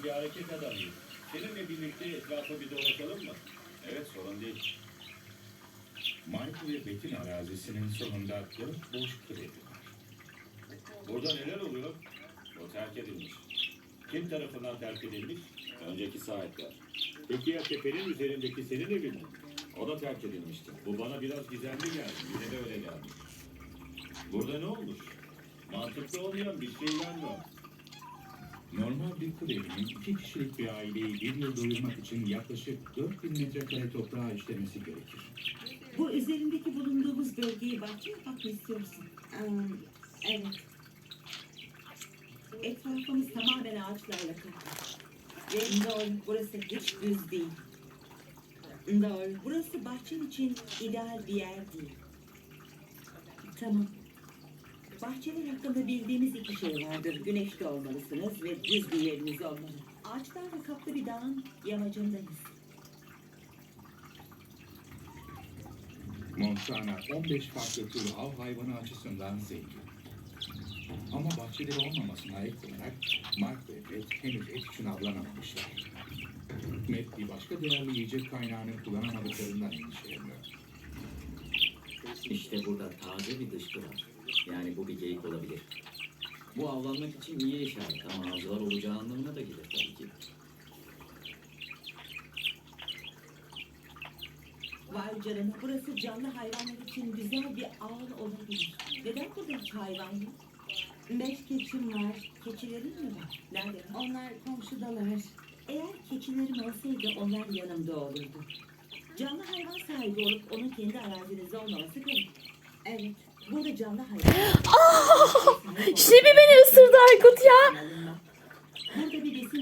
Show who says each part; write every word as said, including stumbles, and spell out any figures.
Speaker 1: bir hareket adamıyım. Seninle birlikte etrafı bir dolaşalım mı? Evet, sorun değil.
Speaker 2: Mike ve Beck'in arazisinin sonunda dört boş kredi var.
Speaker 1: Burada neler oluyor? O terk edilmiş. Kim tarafından terk edilmiş? Önceki sahipler. Peki ya tepenin üzerindeki senin evin mi? O da terk edilmişti. Bu bana biraz gizemli geldi. Yine de öyle geldi. Burada ne olmuş? Mantıklı olmayan bir şeyler var.
Speaker 2: Normal bir kır evinin iki kişilik bir aileyi bir yıl doyurmak için yaklaşık dört bin metrekare toprağa işlemesi gerekir.
Speaker 3: Bu üzerindeki bulunduğumuz bölgeyi bahçe yapmak mı istiyorsun?
Speaker 4: Hmm, evet.
Speaker 3: Etrafımız tamamen ağaçlarla kaplı. Ve doğru, burası hiç düz değil.
Speaker 4: Doğru.
Speaker 3: Burası bahçen için ideal bir yer değil.
Speaker 4: Tamam.
Speaker 3: Bahçeler hakkında bildiğimiz iki şey vardır. Güneşte olmalısınız ve düz bir yeriniz olmalı. Ağaçlarla kaplı bir dağın yamacındayız.
Speaker 2: Montana on beş farklı tür av hayvanı açısından zengin. Ama bahçeleri olmamasına ek olarak Mark ve Beth henüz et için avlanamamışlar. Matt bir başka değerli yiyecek kaynağını kullanamadıklarından endişeleniyor.
Speaker 5: İşte burada taze bir dışkı var. Yani bu bir geyik olabilir. Bu avlanmak için iyi işaret ama avcılar olacağı anlamına da gelir tabii ki.
Speaker 3: Vay canına, burası canlı hayvanlar için güzel bir ağ olabilir. Neden burada hiç hayvan yok?
Speaker 4: Beş keçim var.
Speaker 3: Keçilerin mi var? Nerede?
Speaker 4: Onlar komşudalar.
Speaker 3: Eğer keçilerim olsaydı onlar yanımda olurdu. Canlı hayvan sahibi olup onun kendi arazinizde olmaması garip.
Speaker 4: Evet.
Speaker 3: Burada canlı hayvan...
Speaker 6: Şimdi beni ısırdı Aykut ya.
Speaker 3: Alınmaz.